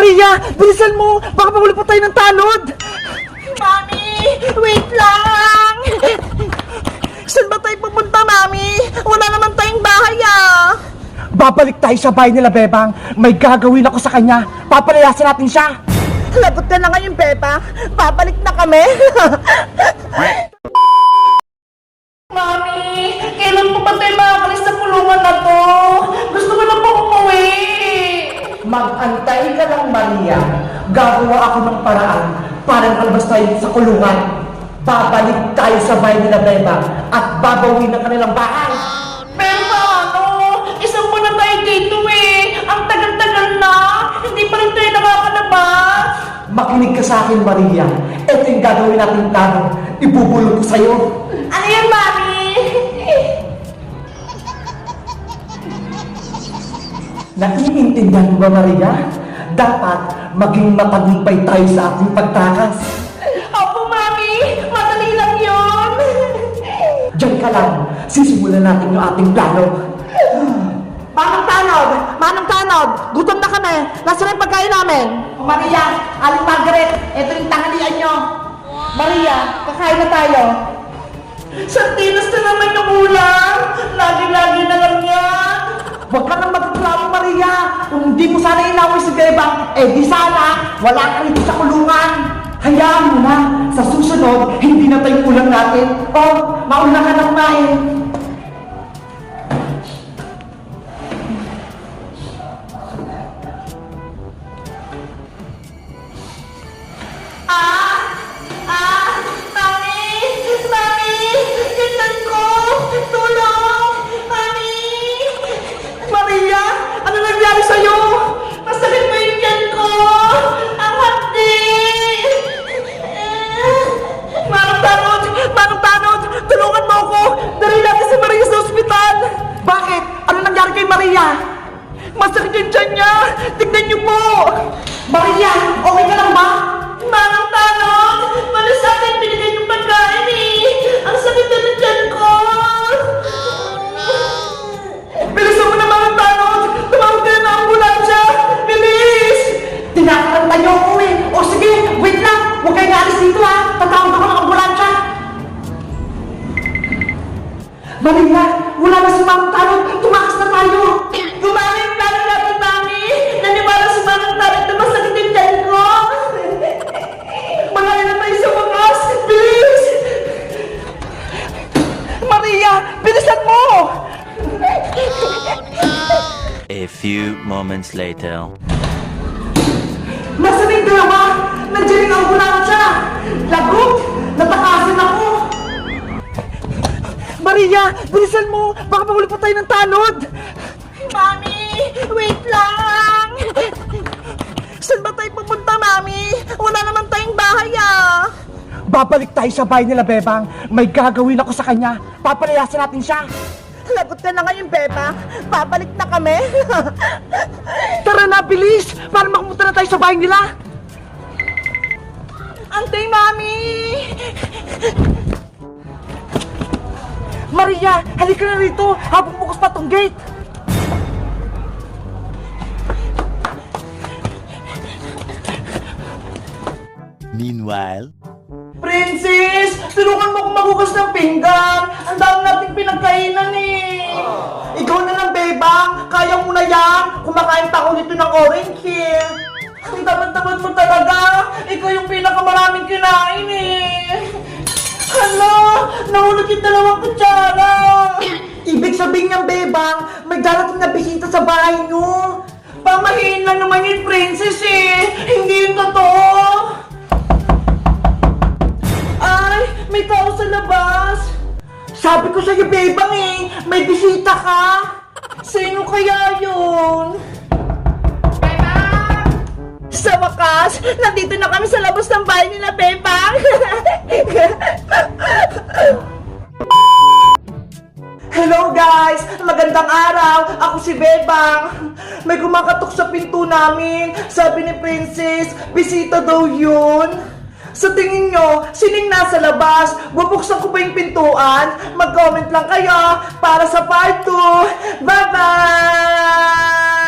Maria, bilisan mo! Baka mahuli pa tayo ng tanod! Mami, wait lang! Saan ba tayo pupunta, Mami? Wala naman tayong bahay, ah! Babalik tayo sa bahay nila, Bebang. May gagawin ako sa kanya. Papalayasin natin siya. Lagot ka na ngayon, Bebang. Babalik na kami. Mami, kailan po ba tayo makakalis sa kulungan na to? Gusto ko na po umuwi. Mag-antay ka lang, Maria. Gagawa ako ng paraan para makalabas tayo sa kulungan. Babalik tayo sa bahay nila, Bebang, at babawin ang kanilang bahay. Pero paano? Isang buwan na tayo dito eh. Ang tagal-tagal na. Hindi pa rin tayo nakakalabas. Makinig ka sa akin, Maria. Ito yung gagawin natin plano. Ibubulong ko sa'yo. Ano yan, Mami? Naiintindihan mo ba, Maria? Dapat maging matagumpay tayo sa ating pagtakas. Opo, Mami. Madali lang yun. Diyan ka lang. Sisimulan natin yung ating plano. Manong Tanod! Manong Tanod! Gutom na kami! Nasaan yung pagkain namin? O Maria, Aling Margaret, ito yung tanghalian nyo. Maria, kakain na tayo. Santinas na naman yung ulam! Lagi-lagi na lang yan! Huwag ka nang magreklamo, Maria. Kung hindi mo sana inaway si Bebang, di sana wala ka rito sa kulungan. Hayaan mo na. Sa susunod, hindi na tayo ulam natin. Mauna ka na kumain. Mami! Mami! Gintan ko! Tulong! Mami! Maria, ano nangyari sa'yo? Masakit mo yung tiyan ko! Ang hapdi! Manong Tanod! Manong Tanod! Tulungan mo ako! Dali natin si Maria sa ospital! Bakit? Ano nangyari kay Maria? Masakit yung tiyan niya! Tignan niyo po! Maria, okay ka lang ba? Manong Tanod! Mali sa akin binigay yung pagkain eh! Ang sakit na ng tiyan ko! Bilisan mo na, Manong Tanod! Tumawag ka na ng ambulansya! Bilis! Tinakaranta niyo ako eh! O sige, wait lang! Huwag kayong alis dito ha! Tatawag ako ng ambulansya! Maria, wala na si Manong Tanod! Tumakas na tayo! Gumamit yung plano natin, Mami! Naniwala si Manong Tanod na masakit yung tiyan ko! Malayo na tayo sa wakas! Bilis! Maria, bilisan mo! A few moments later. Nasaan yung dalawa? Nandiyan yung ambulansya! Lagot! Natakasan ako! Maria, bilisan mo! Baka mahuli pa tayo ng tanod! Mami! Wait lang! Saan ba tayo pupunta, Mami? Wala naman tayong bahay, ah! Babalik tayo sa bahay nila, Bebang. May gagawin ako sa kanya. Papalayasin natin siya. Lagot ka na ngayon, Beba. Babalik na kami. Tara na, bilis! Para makapunta na tayo sa bahay nila. Antay, Mami! Maria, halika na rito habang bukas pa tong gate. Meanwhile, Princess! Tulungan mo akong magugas ng pinggan! Ang dami nating pinagkainan eh! Ikaw na lang, Bebang. Kaya mo na yan. Kumakain pa ako nito ng orange eh. Ang tamad-tamad mo talaga! Ikaw yung pinakamaraming kinain eh! Hala! Nahulog yung dalawang kutsara! Ibig sabihin niyang, Bebang, may darating na bisita sa bahay niyo. Pamahiin lang naman yung princess eh! Hindi yung totoo! Ay! May tao sa labas! Sabi ko sa'yo, Bebang eh, may bisita ka. Sino kaya yun? Sa wakas, nandito na kami sa labas ng bahay nila, Bebang! Hello guys! Magandang araw! Ako si Bebang. May kumakatok sa pinto namin. Sabi ni Princess, bisita daw yun. Sa tingin nyo, sining nasa labas? Bubuksan ko ba yung pintuan? Mag-comment lang kayo para sa part 2. Bye-bye!